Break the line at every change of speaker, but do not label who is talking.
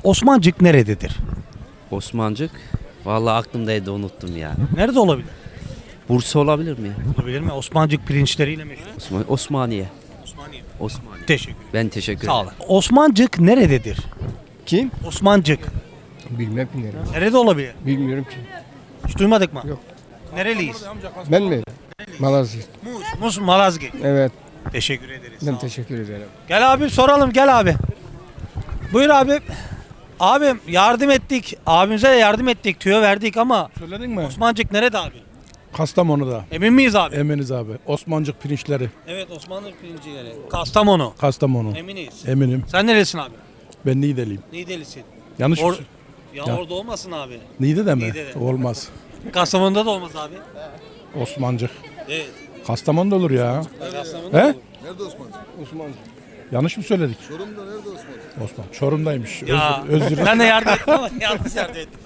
Osmancık nerededir?
Osmancık. Vallahi aklımdaydı unuttum ya.
Nerede olabilir?
Bursa olabilir mi ya?
Olabilir mi? Osmancık pirinçleriyle meşhur.
Osmaniye.
Osmaniye.
Osmaniye.
Teşekkür ederim.
Ben teşekkür
Sağ
ederim.
olun. Osmancık nerededir?
Kim?
Osmancık.
Bilmem ki neresi.
Nerede olabilir?
Bilmiyorum ki.
Hiç duymadık mı?
Yok.
Nereliyiz?
Ben mi? Malazgirt.
Muz, Malazgirt.
Evet.
Teşekkür ederiz. Sağ
Ben
olun.
teşekkür ederim.
Gel abi soralım gel abi. Buyur abi. Abim yardım ettik. Abimize de yardım ettik. Tüyo verdik ama
Söyledin mi?
Osmancık nerede abi?
Kastamonu'da.
Emin miyiz abi?
Eminiz abi. Osmancık pirinçleri.
Evet Osmanlı pirinci yeri. Kastamonu.
Kastamonu.
Eminiz.
Eminim.
Sen neresin abi?
Ben Niğdeliyim.
Niğdelisin.
Yanlış mı?
Ya,
Ya.
orada olmasın abi.
Niğde'de mi?
Niğde'de.
Olmaz.
Kastamonu'da da olmaz abi.
Osmancık.
Evet.
Kastamonu'da olur ya.
Kastamonu'da
He?
olur.
Osmancık.
Yanlış mı söyledik? Çorum'da nerede Osman? Osman. Çorum'daymış.
Ya
Özür dilerim.
ben de yardım ettim ama yanlış yardım ettim.